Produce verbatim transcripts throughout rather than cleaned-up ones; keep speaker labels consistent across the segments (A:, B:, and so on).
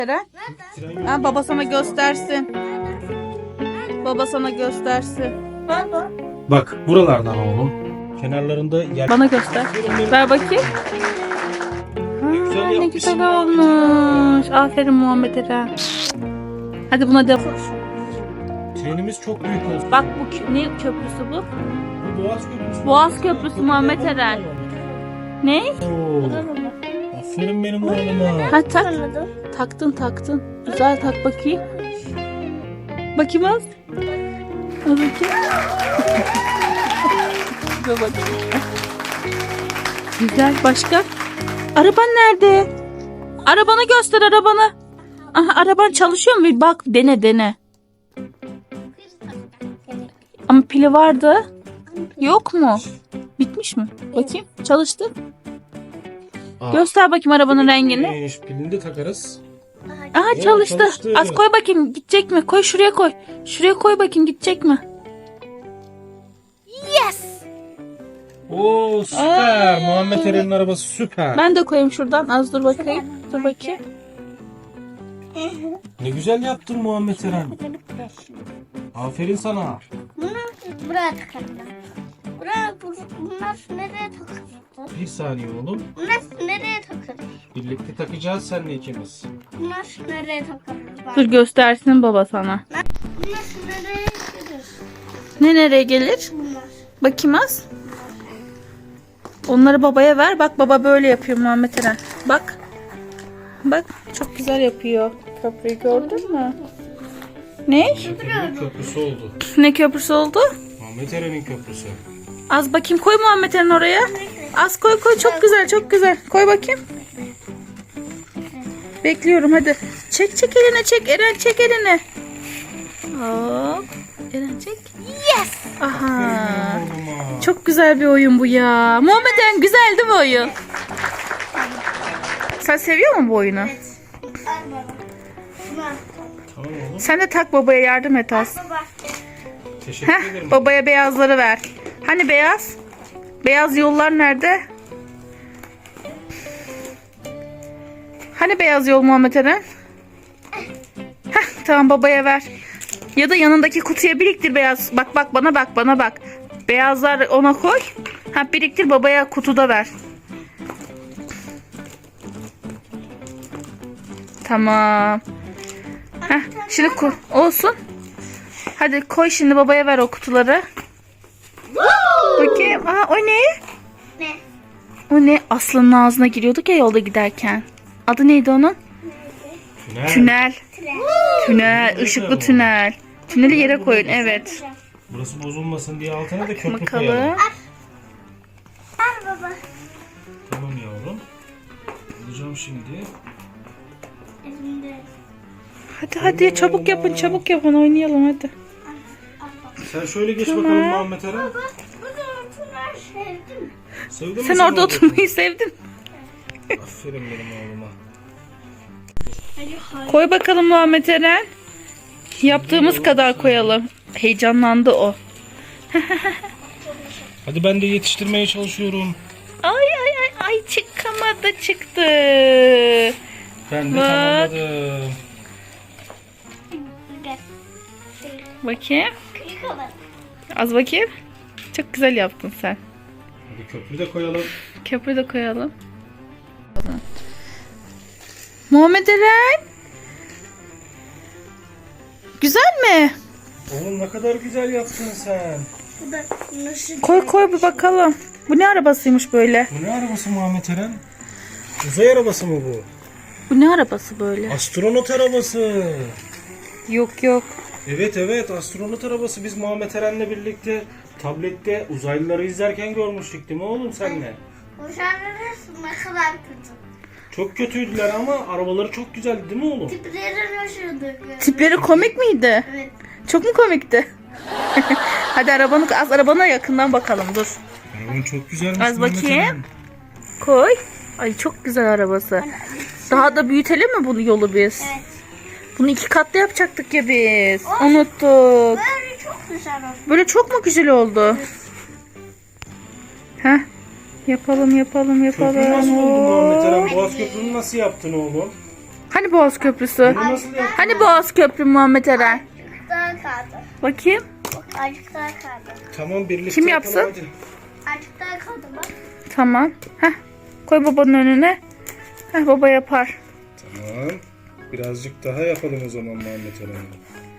A: Eren. Ha, baba sana göstersin. Baba sana göstersin.
B: Baba.
C: Bak buralardan oğlum. Kenarlarında yer.
A: Bana göster. Ver bakayım. Ha,
C: güzel
A: ne
C: yapmışsın
A: güzel
C: ya.
A: olmuş. Aferin Muhammed Eren. Hadi buna devam.
C: Trenimiz çok büyük olsun.
A: Bak bu kö- ne köprüsü bu?
C: Bu Boğaz Köprüsü.
A: Boğaz Köprüsü Muhammed Eren. Ne?
C: Oo. Aferin benim oğluma.
A: Ha tak. Taktın taktın. Güzel tak bakayım. Bakayım az. Az bakayım. Dur bakayım. Güzel. Başka? Araban nerede? Arabanı göster arabanı. Aha, araban çalışıyor mu? Bir bak dene dene. Ama pili vardı. Yok mu? Bitmiş mi? Bakayım. Çalıştı.
C: Aa,
A: Göster bakayım arabanın rengini.
C: neymiş, pilini de takarız.
A: Aha
C: Oo,
A: çalıştı.
C: çalıştı.
A: Az koy bakayım gidecek mi? Koy şuraya koy. Şuraya koy bakayım gidecek mi? Yes.
C: Oo süper.
A: Aa.
C: Muhammed Eren'in arabası süper.
A: Ben de koyayım şuradan. Az dur bakayım. Dur bakayım.
C: Ne güzel yaptın Muhammed Eren. Aferin sana.
B: Bunu buraya takalım. Buraya, bu- bunlar nereye takılır?
C: Bir saniye oğlum.
B: Bunlar nereye takılır?
C: Birlikte takacağız seninle ikimiz.
B: Bunlar nereye takılır? Bak.
A: Dur göstersin baba sana.
B: Bunlar nereye gelir?
A: Ne nereye gelir?
B: Bunlar.
A: Bakayım az. Onları babaya ver. Bak baba böyle yapıyor Muhammed Eren. Bak. Bak çok güzel yapıyor. Köprüyü gördün mü? Ne?
C: Köprünün köprüsü oldu.
A: Ne köprüsü oldu?
C: Muhammed Eren'in köprüsü.
A: Az bakayım koy Muhammed Eren oraya. Az koy koy çok güzel çok güzel. Koy bakayım. Bekliyorum hadi. Çek çek eline çek. Eren çek elini. Hop. Eren çek. Yes. Aha.
C: Oğluma.
A: Çok güzel bir oyun bu ya. Muhammed Eren güzel değil mi oyun? Sen seviyor musun bu oyunu?
B: Al baba. Bunlar.
C: Tamam oğlum.
A: Sen de tak babaya yardım et az.
B: Baba.
C: Teşekkür
A: Heh,
C: ederim.
A: babaya beyazları ver. Hani beyaz? Beyaz yollar nerede? Hani beyaz yol Muhammed Eren? Heh, tamam babaya ver. Ya da yanındaki kutuya biriktir beyaz. Bak bak bana bak bana bak. Beyazlar ona koy. Ha biriktir babaya kutuda ver. Tamam. Heh, şimdi ku- olsun. Hadi koy şimdi babaya ver o kutuları. Bakayım. Aa, o ne?
B: Ne?
A: O ne? Aslanın ağzına giriyorduk ya yolda giderken. Adı neydi onun?
C: Tünel.
A: Tünel.
B: Tren.
A: Tünel. Işıklı tünel. Tüneli yere koyun. Evet.
C: Burası bozulmasın diye altına da köprü
A: Bakalım.
C: koyalım.
B: Al baba.
C: Tamam yavrum. Alacağım şimdi.
B: Elimde.
A: Hadi hadi çabuk yapın çabuk yapın oynayalım hadi.
C: Sen şöyle geç
A: Tamam.
C: bakalım Muhammed Eren.
B: Baba. Burada oturlar sevdim.
C: Sevdin mi
A: Sen orada oturmayı sevdin.
C: Aferin benim oğluma.
B: Hadi hadi.
A: Koy bakalım Muhammed Eren. Yaptığımız kadar koyalım. Heyecanlandı o.
C: Hadi ben de yetiştirmeye çalışıyorum.
A: Ay ay ay ay çıkamadı çıktı.
C: Ben de
A: Bak.
C: tamamladım.
B: Gel.
A: Bakayım.
B: Yıkama.
A: Az bakayım. Çok güzel yaptın sen.
C: Hadi köprü de koyalım.
A: Köprü de koyalım. Muhammed Eren. Güzel mi?
C: Oğlum ne kadar güzel yaptın sen.
B: Bu da nasıl?
A: Koy koy bir bakalım. Bu ne arabasıymış böyle?
C: Bu ne arabası Muhammed Eren? Uzay arabası mı bu?
A: Bu ne arabası böyle?
C: Astronot arabası.
A: Yok yok.
C: Evet evet astronot arabası. Biz Muhammed Eren'le birlikte tablette uzaylıları izlerken görmüştük değil mi oğlum senle?
B: Boşanırız ne kadar kötü.
C: Çok kötüydüler ama arabaları çok güzeldi değil mi oğlum?
B: Tipleri hoşuyduk.
A: Tipleri komik miydi?
B: Evet.
A: Çok mu komikti? Hadi arabanı az arabana yakından bakalım dur.
C: Araban çok güzelmiş.
A: Az
C: Muhammed
A: bakayım.
C: Eren.
A: Koy. Ay çok güzel arabası. Daha da büyütelim mi bunu yolu biz?
B: Evet.
A: Bunu iki katlı yapacaktık ya biz. Unuttuk.
B: Böyle çok güzel oldu.
A: Böyle çok mu güzel oldu? Heh. Yapalım yapalım yapalım.
C: Köprü nasıl oldu Muhammed Eren?
A: Oo.
C: Boğaz Köprü'nü nasıl yaptın oğlum?
A: Hani Boğaz Köprüsü?
C: Bunu nasıl yaptın?
A: Hani Boğaz Köprü Muhammed Eren?
B: Azıcık daha kaldı.
A: Bakayım.
B: Bak azıcık daha kaldı.
C: Tamam birlikte
A: Kim
C: yapalım
A: yapsın?
C: hadi.
B: Azıcık daha kaldı bak.
A: Tamam. Heh. Koy babanın önüne. Heh, baba yapar.
C: Tamam. Birazcık daha yapalım o zaman Muhammed Eren'le.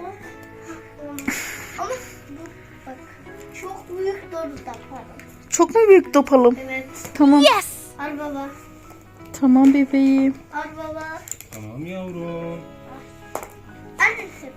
B: Ama bu bak çok büyük doğru da pardon.
A: Çok mu büyük yapalım?
B: Evet.
A: Tamam.
B: Al baba.
A: Tamam bebeğim.
B: Al baba.
C: Tamam yavrum.
B: Annesi.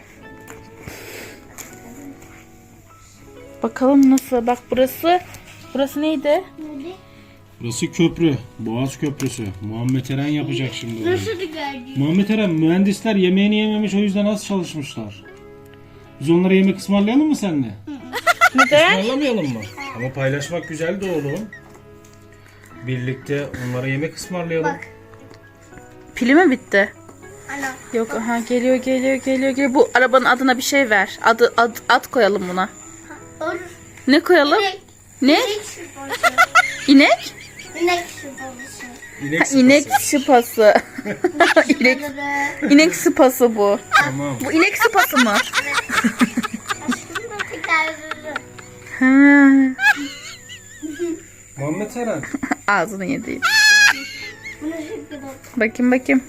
A: Bakalım nasıl? Bak burası. Burası neydi?
B: Neydi?
C: Burası köprü. Boğaz Köprüsü. Muhammed Eren yapacak şimdi orayı.
B: Nasıl geldi?
C: Muhammed Eren mühendisler yemeğini yememiş o yüzden az çalışmışlar. Biz onlara yemek ısmarlayalım mı seninle?
A: Neden?
C: Ismarlamayalım mı? Ama paylaşmak güzel de oğlum. Birlikte onlara yemek ısmarlayalım.
B: Bak.
A: Pili mi bitti?
B: Ana.
A: Yok aha geliyor geliyor geliyor geliyor. Bu arabanın adına bir şey ver. Adı ad, ad koyalım buna.
B: Olur.
A: Ne koyalım?
B: İnek.
A: Ne?
B: İnek şıpası.
A: İnek?
B: İnek şıpası.
C: İnek
A: Ha,
C: sıpası.
A: inek sıpası. inek, inek sıpası bu.
C: Tamam.
A: Bu inek sıpası mı?
B: Aşkım da tekerleri.
A: Ha.
C: Muhammed Eren.
A: Ağzını yedi.
B: Bunu şimdi bak.
A: Bakayım bakayım.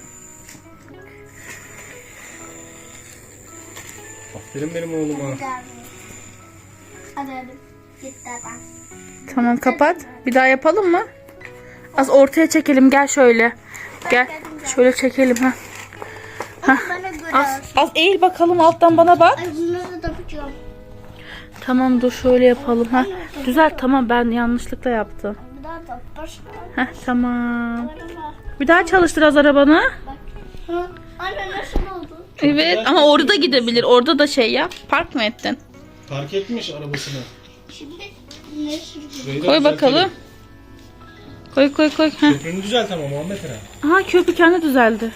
C: Aferin benim oğluma.
B: Hadi hadi. Git ben.
A: Tamam kapat. Bir daha yapalım mı? Az ortaya çekelim. Gel şöyle. Gel. Şöyle çekelim ha.
B: Ama bana göre.
A: Az, az eğil bakalım alttan bana bak.
B: Ay bunları da yapacağım.
A: Tamam dur şöyle yapalım ha. Düzelt tamam ben yanlışlıkla yaptım.
B: Bir daha da başla.
A: Heh tamam.
B: Bana
A: Bir daha çalıştır az arabanı.
B: bak. Hı? Anne nasıl oldu?
A: Evet ama orada da gidebilir. Orada da şey yap. Park mı ettin?
C: Park etmiş arabasını.
B: Şimdi ne sürüyor?
C: Şurayı da
A: Koy
C: düzeltelim.
A: bakalım. Koy koy koy. Heh.
C: Köprünü düzelt ama Muhammed Eren.
A: Aha köprü kendi düzeldi.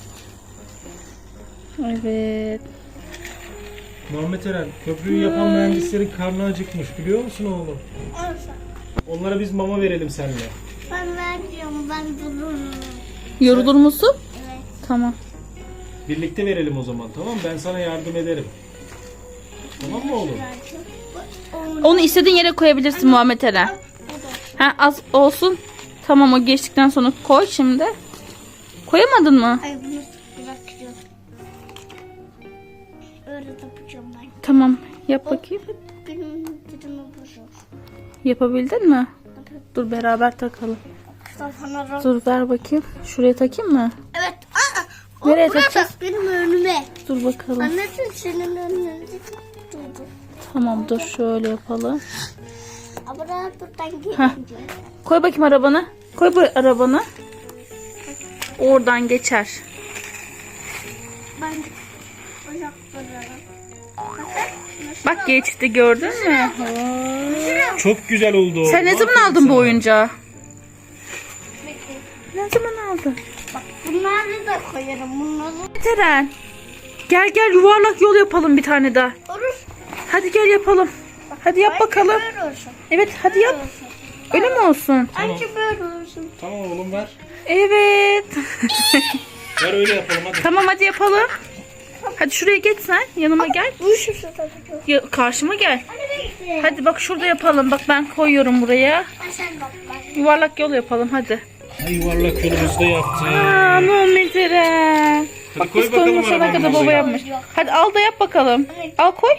A: Evet.
C: Muhammed Eren, köprüyü yapan mühendislerin karnı acıkmış biliyor musun oğlum?
B: Olsa.
C: Onlara biz mama verelim seninle.
B: Ben vermiyorum. Ben dururum.
A: Yorulur musun?
B: Evet.
A: Tamam.
C: Birlikte verelim o zaman tamam mı? Ben sana yardım ederim. Tamam mı oğlum?
B: Onu
A: Onu istediğin yere koyabilirsin Muhammed Eren. Ha az olsun. Tamam o geçtikten sonra koy şimdi. Koyamadın mı?
B: Ay bunu bırakacağım. Öyle yapacağım ben.
A: Tamam. Yap bakayım.
B: Benim dilimi bozur.
A: Yapabildin mi? Dur beraber takalım.
B: Sana
A: Dur ver bakayım. Şuraya takayım mı?
B: Evet. Aa, o
A: Nereye
B: buraya
A: takacağız?
B: bak, benim önüme.
A: Dur bakalım.
B: Anneciğim senin önünde durdu.
A: Tamam dur şöyle yapalım.
B: Ama ben buradan
A: Heh.
B: gelince.
A: Koy bakayım arabanı. Koy bu arabanı. Oradan geçer.
B: Ben uzaklarım.
A: Bak geçti gördün mü?
C: Çok güzel oldu.
A: Sen ne zaman
C: Aferin
A: aldın bu
C: sana.
A: oyuncağı? Ne zaman aldın?
B: Bak bunları da koyarım. Bunları
A: Teren. Gel gel yuvarlak yol yapalım bir tane daha.
B: olur.
A: Hadi gel yapalım. Hadi yap bakalım.
B: Böyle olsun.
A: Evet hadi yap.
B: Olsun.
A: Öyle mi olsun?
B: Anca böyle olsun.
C: Tamam oğlum ver.
A: Evet.
C: Ver öyle yapalım hadi.
A: Tamam hadi yapalım. Hadi şuraya geç sen. Yanıma gel.
B: Bu şu tabii.
A: Ya, karşıma gel.
B: Hadi bekle.
A: Hadi bak şurada yapalım. Bak ben koyuyorum buraya.
B: Ay sen bak bak.
A: Yuvarlak yol yapalım hadi.
C: Ha, yuvarlak yolumuzu da yaptık.
A: Aa Muhammed Eren.
C: Hadi
A: Bak
C: koy
A: biz
C: bakalım
A: koymasana
C: arabanın
A: kadar baba
C: oraya.
A: yapmış. Hadi al da yap bakalım.
B: Evet.
A: Al koy.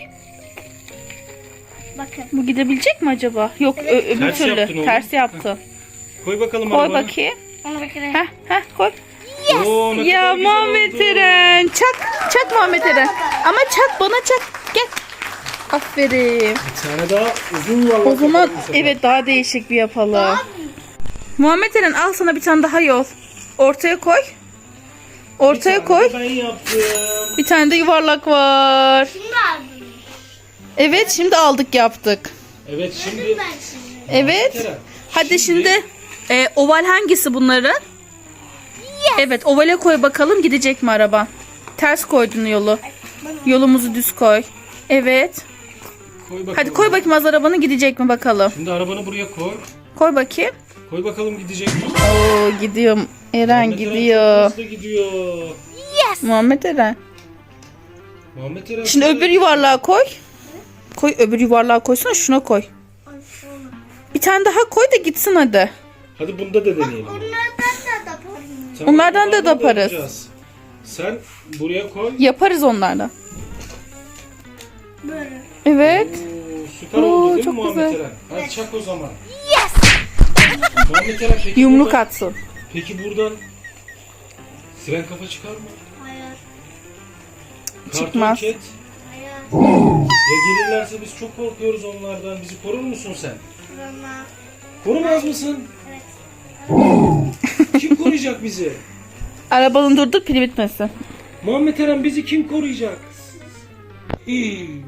B: Bakın.
A: Bu gidebilecek mi acaba? Yok ö- öbür
C: Ters
A: türlü.
C: yaptın oğlum.
A: Ters yaptı.
C: Koy bakalım
A: Koy
C: arabanı.
A: bakayım.
B: Onu bakın.
A: Heh heh koy.
C: Oo, ne
A: Ya
C: kadar güzel
A: Muhammed
C: oldu.
A: Eren. Çak. Çak Muhammed Eren. Ama çak bana çak. Gel. Aferin.
C: Bir tane daha uzun yuvarlak
A: O zaman
C: yapalım bu sefer.
A: evet daha değişik bir yapalım. Muhammed Eren al sana bir tane daha yol. Ortaya koy.
C: Bir
A: Ortaya
C: tane
A: koy.
C: de Ben yaptım.
A: Bir tane de yuvarlak var.
B: Şimdi aldım.
A: Evet şimdi aldık yaptık.
C: Evet şimdi.
B: Ben şimdi.
A: Evet.
C: Eren,
A: Hadi şimdi e, oval hangisi bunların? Evet ovale koy bakalım gidecek mi araba? Ters koydun yolu. Yolumuzu düz koy. Evet.
C: Koy bakalım.
A: Hadi koy bakayım az arabanı gidecek mi bakalım.
C: Şimdi arabanı buraya koy.
A: Koy bakayım.
C: Koy bakalım gidecek mi?
A: Oo gidiyorum. Eren
C: Muhammed Eren
A: gidiyor.
C: çok hızlı gidiyor.
A: Muhammed Eren.
C: Muhammed Eren.
A: Şimdi öbür yuvarlığa koy. Koy öbür yuvarlığa koysana, şuna koy.
B: Ay, sonra.
A: Bir tane daha koy da gitsin hadi.
C: Hadi bunda da deneyelim.
B: Onlardan da da yaparım.
C: Tamam,
A: Onlardan da yaparız.
C: yapacağız. Sen buraya koy.
A: Yaparız onlardan.
B: Böyle.
A: Evet.
C: Oo, süper
A: Oo,
C: oldu değil
A: çok
C: mi Muhammed
A: güzel.
C: Eren? Hadi çak o zaman. Muhammed Eren peki
A: Yumruk
C: buradan,
A: atsın.
C: peki buradan siren kafa çıkar mı?
B: Hayır.
C: Karton
A: Çıkmaz.
C: ket.
B: Hayır.
C: Ya gelirlerse biz çok korkuyoruz onlardan. Bizi korur musun sen?
B: Kurama.
C: Korumaz mısın?
B: Evet.
C: Kim koruyacak bizi?
A: Arabanın durdur, pili bitmesin.
C: Muhammed Eren bizi kim koruyacak? İyi.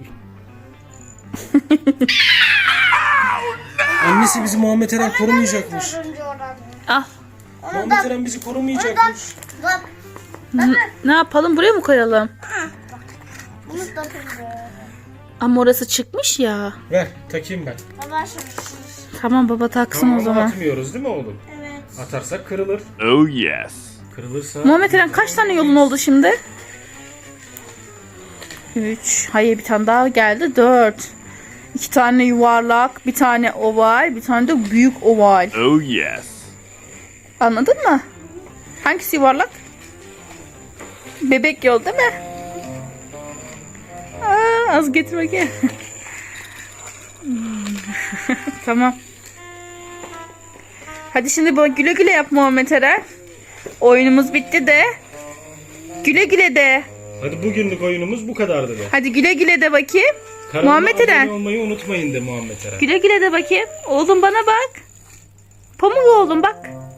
C: Annesi bizi Muhammed Eren korumayacakmış.
B: Dördüncü oran.
A: Ah.
C: Muhammed Eren bizi korumayacakmış.
B: Bak.
A: N- ne yapalım, buraya mı koyalım?
B: Bunu da kırdı.
A: Ama orası çıkmış ya.
C: Ver takayım ben.
B: Baba şimdi.
A: Tamam baba, taksın
C: Tamam,
A: o zaman.
C: atmıyoruz değil mi oğlum?
B: Evet.
C: Atarsak kırılır.
D: Oh yes.
C: Kırılırsa...
A: Muhammed Eren kaç tane yolun oldu şimdi? Üç. Hayır, bir tane daha geldi. Dört. İki tane yuvarlak, bir tane oval, bir tane de büyük oval.
D: Oh yes.
A: Anladın mı? Hangisi yuvarlak? Bebek yol değil mi? Aa, az getir bakayım. Tamam. Hadi şimdi bu güle güle yap Muhammed Eren. Oyunumuz bitti de. Güle güle de.
C: Hadi bugünlük oyunumuz bu kadardı be.
A: Hadi güle güle de bakayım.
C: Kanalıma
A: Muhammed
C: abone
A: Eren.
C: olmayı unutmayın de Muhammed Eren.
A: Güle güle de bakayım. Oğlum bana bak. Pamuk oğlum bak.